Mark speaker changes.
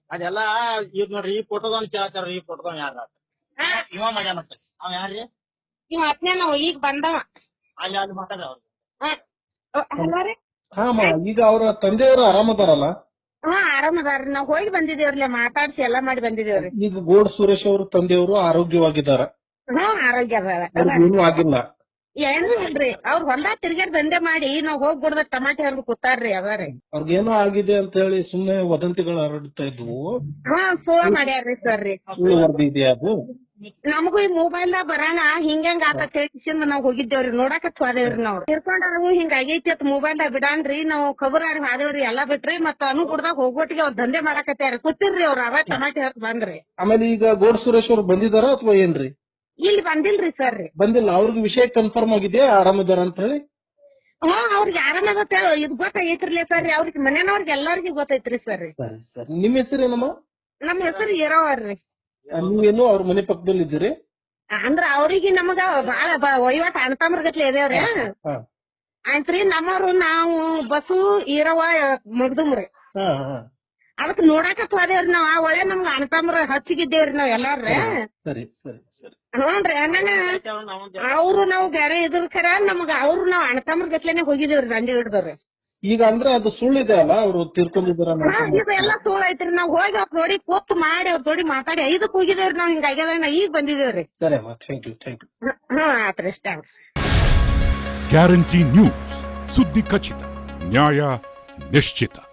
Speaker 1: ಅದೆಲ್ಲಾ ಈಗ ನೋಡ್ರಿ ಈ ಫೋಟೋದವ್ನ ಕೇಳ್ತಾರ ಈ ಫೋಟೋದವ್ ಯಾರ ಇವ ಮಾಡ್ಯಾನಂತ ಅವ ಯಾರ್ರಿ
Speaker 2: ಇವ್ ಅತ್ನೇ ನಾವು ಈಗ ಬಂದವ
Speaker 1: ಅಲ್ಲಿ ಮಾತಾಡ ಅವ್ರು
Speaker 2: ಹಲೋ ರೀ.
Speaker 3: ಈಗ ಅವ್ರ ತಂದೆಯವರು ಆರಾಮದಾರಲ್ಲ?
Speaker 2: ಆರಾಮದಾರ್ರಿ. ನಾವ್ ಹೋಗಿ ಬಂದಿದೇವ್ರಿ, ಮಾತಾಡ್ಸಿ ಎಲ್ಲಾ ಮಾಡಿ ಬಂದಿದೇವ್ರಿ.
Speaker 3: ಈಗ ಗೋಡ್ ಸುರೇಶ್ ಅವ್ರ ತಂದೆಯವರು ಆರೋಗ್ಯವಾಗಿದ್ದಾರೆ?
Speaker 2: ಆರೋಗ್ಯ
Speaker 3: ಏನೂ ಆಗಿಲ್ಲ?
Speaker 2: ಏನು ಇಲ್ರಿ, ಅವ್ರ ಹೊಲ್ದಾಗ ತಿರ್ಗಾಡ್ ದಂಧೆ ಮಾಡಿ ನಾವ್ ಹೋಗಿ ಗುಡ್ದ ಟಮಾಟೆ ಹರಿದು ಕೂತಾರ್ರಿ ಅದಾರಿ.
Speaker 3: ಅವ್ರಿಗೇನೋ ಆಗಿದೆ ಅಂತ ಹೇಳಿ ಸುಮ್ನೆ ವದಂತಿಗಳು ಹರಡ್ತಾ ಇದ್ವು.
Speaker 2: ಫೋನ್ ಮಾಡ್ಯಾರ್ರಿ ಸರ್ ರೀ.
Speaker 3: ವರದಿ ಇದೆಯಾ ಅದು?
Speaker 2: ನಮಗೂ ಈ ಮೊಬೈಲ್ ದಾಗ ಬರೋಣ ಹಿಂಗಂಗ ಆತ ಹೇಳ್ಸಿಂದ ನಾವ್ ಹೋಗಿದ್ದೇವ್ರಿ, ನೋಡಾಕತ್ ಹೋದೇವ್ರಿ. ನಾವ್ ತಿರ್ಕೊಂಡಾರು ಹಿಂಗ ಆಗೈತಿ ಅತ್ ಮೊಬೈಲ್ ದಾಗ ಬಿಡಾನ್ರಿ, ನಾವ್ ಖಬರಾರಿ ಹಾದೇವ್ರಿ ಎಲ್ಲಾ ಬಿಟ್ರಿ. ಮತ್ತ ಅನುಗುಡ್ದಾಗ ಹೋಗೋಟಿಗೆ ಅವ್ರ ದಂಧೆ ಮಾಡಾಕತ್ಯಾರ ಕೂತಿರ್ರಿ ಅವ್ರ ಅವ ಟಮಾಟೆ ಹರಿದ್ ಬಂದ್ರಿ.
Speaker 3: ಆಮೇಲೆ ಈಗ ಗೋಡ್ ಸುರೇಶ್ ಅವ್ರು ಬಂದಿದಾರ ಅಥವಾ ಏನ್ರಿ?
Speaker 2: ಇಲ್ಲಿ ಬಂದಿಲ್ರಿ ಸರ್ ರೀ.
Speaker 3: ಬಂದಿಲ್ಲ. ಅವ್ರಿಗೆ ವಿಷಯ ಕನ್ಫರ್ಮ್ ಆಗಿದೆಯಾ ಆರಾಮಿದಾರ ಅಂತ ಹೇಳಿ?
Speaker 2: ಅವ್ರಿಗೆ ಆರಾಮಾಗತ್ತ ಇದ್ ಗೊತ್ತಾಗೈತ್ರಿಲೇ ಸರ್ ರೀ. ಅವ್ರಿಗೆ ಮನೆಯವ್ರಿಗೆ ಎಲ್ಲಾರ್ಗಿ ಗೊತ್ತೈತ್ರಿ ಸರ್ ರೀ.
Speaker 3: ಸರಿ. ನಿಮ್ ಹೆಸರೇನಮ್ಮ?
Speaker 2: ನಮ್ ಹೆಸರು ಇರೋವರ್ರಿ.
Speaker 3: ನೀವೇನು ಅವ್ರ ಮನೆ ಪಕ್ಕದಲ್ಲಿ ಇದ್ದೀರಿ?
Speaker 2: ಅಂದ್ರ ಅವ್ರಿಗೆ ನಮಗ ಬಾಳ ವಹಿವಾಟ ಅಣ್ತಮ್ರಗತ್ಲೆ ಇದೇವ್ರಿ. ಆಯ್ತ್ರಿ. ನಮ್ಮವ್ರು ನಾವು ಬಸ್ಸು ಈರವ ಮಗ್ದುಮ್ರಿ. ಅದಕ್ ನೋಡಾಕತ್ ಹೋದೇವ್ರಿ ನಾವ್. ಆ ಒಳ್ಳೆ ನಮ್ಗ ಅಣ್ತಮ್ರ ಹಚ್ಚಿಗಿದ್ದೇವ್ರಿ ನಾವ್ ಎಲ್ಲಾರ್ರಿ.
Speaker 3: ಸರಿ ಸರಿ ಸರಿ.
Speaker 2: ಹ್ಞೂನ್ರಿ. ಅವ್ರು ನಾವು ಬೇರೆ ಇದ್ರ ಖರ ನಮಗ ಅವ್ರು ನಾವ್ ಅಣ್ತಮ್ರ ಗತ್ಲೆನೆ ಹೋಗಿದೇವ್ರಿ ದಂಡಿ ಹಿಡ್ದವ್ರಿ.
Speaker 3: ಈಗ ಅಂದ್ರೆ ಅದು ಸುಳ್ಳಿದೆ ಅಲ್ಲ, ಅವ್ರು ತೀರ್ಕೊಂಡಿದಾರ?
Speaker 2: ಇದೆಲ್ಲಾ ಸುಳ್ಳು ಐತ್ರಿ. ನಾವ್ ಹೋಗಿ ಅವ್ರ ನೋಡಿ ಕೂತ್ ಮಾಡಿ ಅವ್ರ ಜೋಡಿ ಮಾತಾಡಿ 5ಕ್ಕೆ ಹೋಗಿದೇವ್ರಿ. ನಾವ್ ಹಿಂಗ ಆಗ್ಯದ ಈಗ ಬಂದಿದೇವ್ರಿ.
Speaker 3: ಸರಿ ಅಮ್ಮ, ಥ್ಯಾಂಕ್ ಯು.
Speaker 2: ಆತ್ರಿ. ಥ್ಯಾಂಕ್ಸ್.
Speaker 4: ಗ್ಯಾರಂಟಿ ನ್ಯೂಸ್, ಸುದ್ದಿ ಖಚಿತ, ನ್ಯಾಯ ನಿಶ್ಚಿತ.